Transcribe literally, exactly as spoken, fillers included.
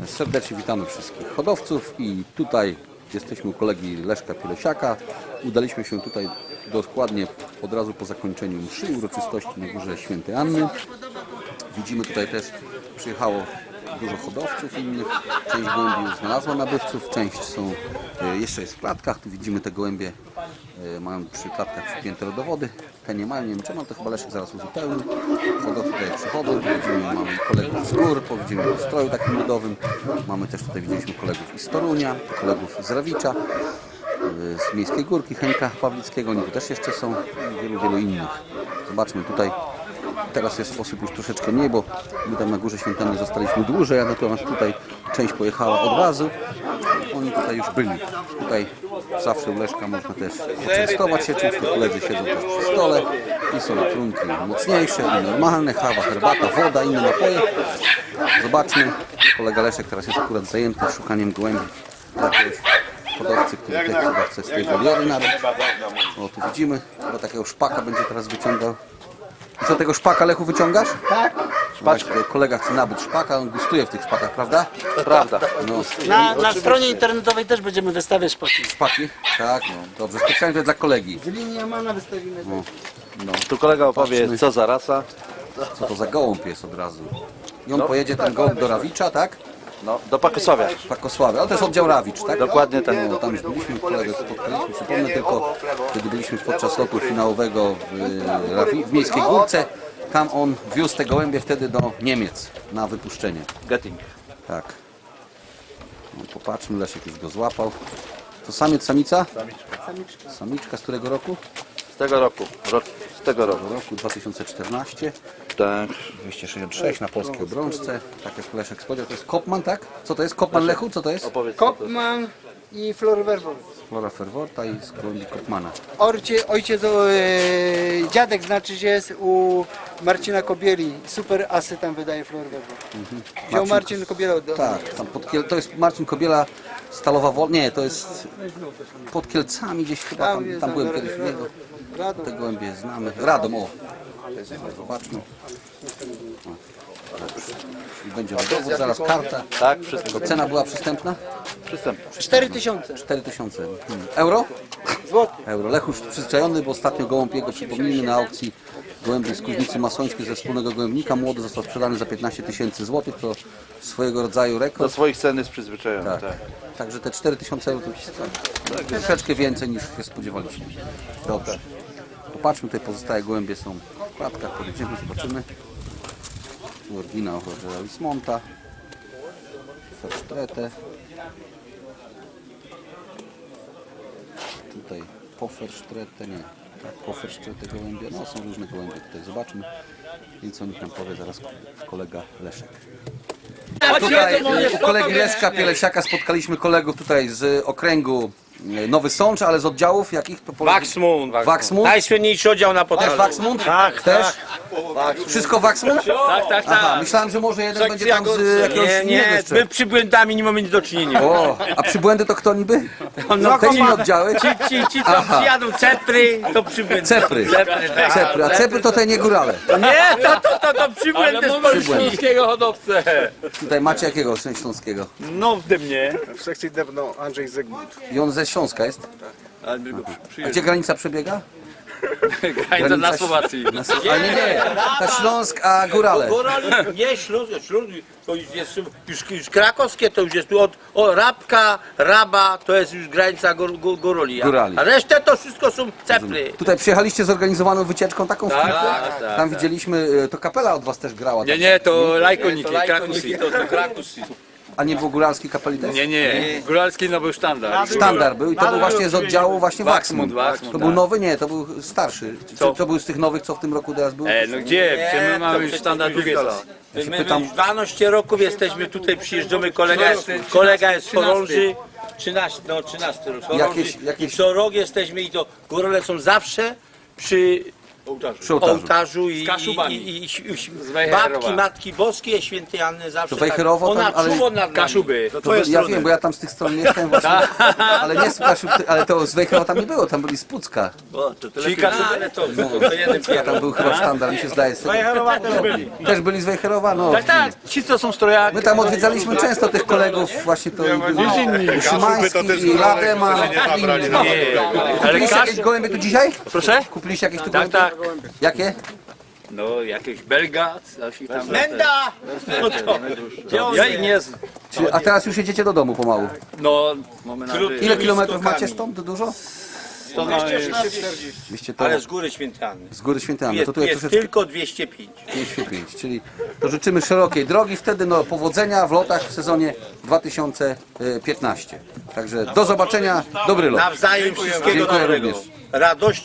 Serdecznie witamy wszystkich hodowców i tutaj jesteśmy u kolegi Leszka Pielesiaka. Udaliśmy się tutaj dokładnie od razu po zakończeniu mszy uroczystości na Górze Świętej Anny. Widzimy tutaj też przyjechało dużo hodowców innych. Część gołębi już znalazła nabywców, część są jeszcze jest w klatkach. Tu widzimy te gołębie mają przy klatkach przypięte rodowody. Te nie mają, nie wiem czemu, to chyba Leszek zaraz uzupełni. Hodowcy tutaj przychodzą, widzimy, mamy kolegów z gór, widzimy w stroju takim ludowym. Mamy też tutaj, widzieliśmy kolegów i z Torunia, kolegów z Rawicza, z Miejskiej Górki, Henka Pawlickiego, oni tu też jeszcze są i wielu, wielu innych. Zobaczmy tutaj. Teraz jest osób już troszeczkę mniej, bo my tam na Górze Świętej zostaliśmy dłużej, a natomiast tutaj część pojechała od razu. Oni tutaj już byli. Tutaj zawsze u Leszka można też poczęstować się czymś. Koledzy siedzą też przy stole i są trunki mocniejsze i normalne, kawa, herbata, woda, inne napoje. Zobaczmy. Kolega Leszek teraz jest akurat zajęty szukaniem gołębi jakiegoś hodowcy, który też chyba chce z tej woliery nabyć. O, tu widzimy, chyba takiego szpaka będzie teraz wyciągał. I co, tego szpaka, Lechu, wyciągasz? Tak. Właśnie, kolega chce nabyć szpaka, on gustuje w tych szpakach, prawda? Prawda. No, Na, na stronie internetowej też będziemy wystawiać szpaki. szpaki? Tak, no, dobrze, specjalnie dla kolegi. Z linii Amana wystawimy. No, no, Tu kolega opowie, Patrzmy. co za rasa. co to za gołąb jest od razu. I on No. pojedzie ten gołąb do Rawicza, tak? No, do Pakosławia. Pakosławy, ale to jest oddział Rawicz, tak? Dokładnie tak. No, tam już byliśmy, kolegę spotkaliśmy, przypomnę tylko, kiedy byliśmy podczas lotu finałowego w, Rawi, w Miejskiej Górce, tam on wiózł te gołębie wtedy do Niemiec na wypuszczenie. Getting. Tak. No, popatrzmy, Leszek już go złapał. To samiec, samica? Samiczka. Samiczka z którego roku? Z tego roku. Rok, z tego roku. Z roku dwa tysiące czternastego. Tak. dwieście sześćdziesiąt sześć na polskiej obrączce. Tak jak Leszek spodziewał. To jest Kopman, tak? Co to jest? Kopman, Lechu? Co to jest? Opowiedz, co to jest. Kopman i Flor Werwol. Flora Ferworta i z gołębi Kopmana. Orcie, ojciec, e, dziadek znaczy się jest u Marcina Kobieli. Super asy tam wydaje Flor Werwol. Wziął Marcin Kobiela od Tak, tam pod Kiel... to jest Marcin Kobiela, Stalowa Wol... Nie, to jest pod Kielcami gdzieś chyba, tam, jest, tam byłem Ra- kiedyś u niego. Radom. Te gołębie znamy. Radom, o! Zobaczmy. I będzie dowód, zaraz karta. Tak, wszystko. To cena była przystępna? Przystępny. cztery tysiące cztery tysiące. Hmm. Euro? złotych. Euro. Lech już przyzwyczajony, bo ostatnio gołąb jego, przypomnijmy, na aukcji gołębi z Kuźnicy Masońskiej ze wspólnego gołębnika. Młody został sprzedany za piętnaście tysięcy złotych. To swojego rodzaju Do rekord. swoich cen jest przyzwyczajony. Tak. Tak. Także te cztery tysiące euro to jest troszeczkę więcej niż się spodziewaliśmy. Dobrze. Popatrzmy, tutaj pozostałe gołębie są w klatkach, podejdziemy, zobaczymy. Tu oryginał Rogera Wismonta. Fersztretę. Tutaj Pofersztretę, nie. Tak, Pofersztretę gołębie. No są różne gołębie tutaj, zobaczmy. Więc o nich nam powie zaraz kolega Leszek. Tutaj u kolegi Leszka Pielesiaka spotkaliśmy kolegów tutaj z okręgu Nowy Sącz, ale z oddziałów jakich? To pole- Waxmund. Waxmund? Najsłynniejszy oddział na Też Podlasie. Waxmund? Tak, Też? Wszystko Waxmund? Tak, tak, Aha, tak. myślałem, że może jeden będzie tam z jakiegoś Nie, innego nie, jeszcze. my przybłędami nie mamy nic do czynienia. O, a przybłędy to kto niby? No, Te inne oddziały? Ci, ci, ci co Aha. przyjadą cepry, to przybłędy. Cepry. Cepry, tak. Cepry, a cepry to te nie górale. Nie, to, to, to, to przybłędy z Polski. Śląskiego hodowcę. Tutaj macie jakiego śląskiego? No w dymnie. W sekcji debno Andrzej Zygmunt. I on ze Śląska jest? A gdzie granica przebiega? Granica na Słowacji. Na, ale nie, nie, ta Śląsk, a górale. Górali, nie, Śląsk, Śląsk, to już jest już, już krakowskie, to już jest tu od o, Rabka, Raba, to jest już granica gór, gór, Górali. A- Górali. A resztę to wszystko są cepry. Tutaj przyjechaliście zorganizowaną wycieczką taką w Tak, Kilku? tak, tak, Tam widzieliśmy, e, to kapela od was też grała. Nie, tak? nie, to lajkoniki, To krakusy. to, to Krakusy. A nie było góralskiej kapeli też? Nie, nie, góralski no był sztandar. Sztandar był i to był właśnie z oddziału właśnie Waxmund, Waxmund. Waxmund, To był tak. nowy? Nie, to był starszy. Czy Co? to był z tych nowych, co w tym roku teraz był? E, no gdzie? Przecież my mamy już sztandar drugie lat. Ja się My, pytam, my dwanaście roków jesteśmy tutaj, przyjeżdżamy, kolega jest, kolega jest z Chorąży, trzynaście, no trzynasty rok, Chorąży. Jakieś- jakieś- I co rok jesteśmy i to górale są zawsze przy Przy ołtarzu. ołtarzu i, Z Kaszubami. i, i, i, i, Z Wejherowa. babki, Matki Boskie, świętej Anny zawsze To Wejherowo tak, ona tam, ale- czuło nad nami. Kaszuby. To by, ja wiem, bo ja tam z tych stron mieszkałem właśnie, ale nie z Kaszub, ale to z Wejherowa tam nie było, tam byli z Pucka. O, to, to Ci lepiej- Kaszuby? ale to, to, to jeden Ja tam był chyba sztandar, mi się zdaje. Z tego. też byli. Też byli z Wejherowa? No. Tak, tak, ci co są strojaki. My tam odwiedzaliśmy często tych kolegów, właśnie to i był Kaszuby to też Szymański i Lademan. nie zabrali na Ale Kupiliście Kasz... jakieś gołębie tu dzisiaj? Proszę? Kupiliście jakieś tu Tak, gołębie? tak. Jakie? No, jakieś Belga, coś i tam. Menda! No to, gdzie on Ja ich nie znam. Czy, a teraz już jedziecie do domu pomału. No, mamy nadzieję. Ile kilometrów macie stąd? Dużo? To mamy... dwieście to Ale z góry świętej Anny. z góry Świętej Anny. Jest, To tu jest jest troszeczkę tylko dwieście pięć. dwieście pięć, czyli to życzymy szerokiej drogi, wtedy no powodzenia w lotach w sezonie dwa tysiące piętnastym. Także do zobaczenia, dobry lot. Nawzajem wszystkiego Dziękuję dobrego. również. Radości.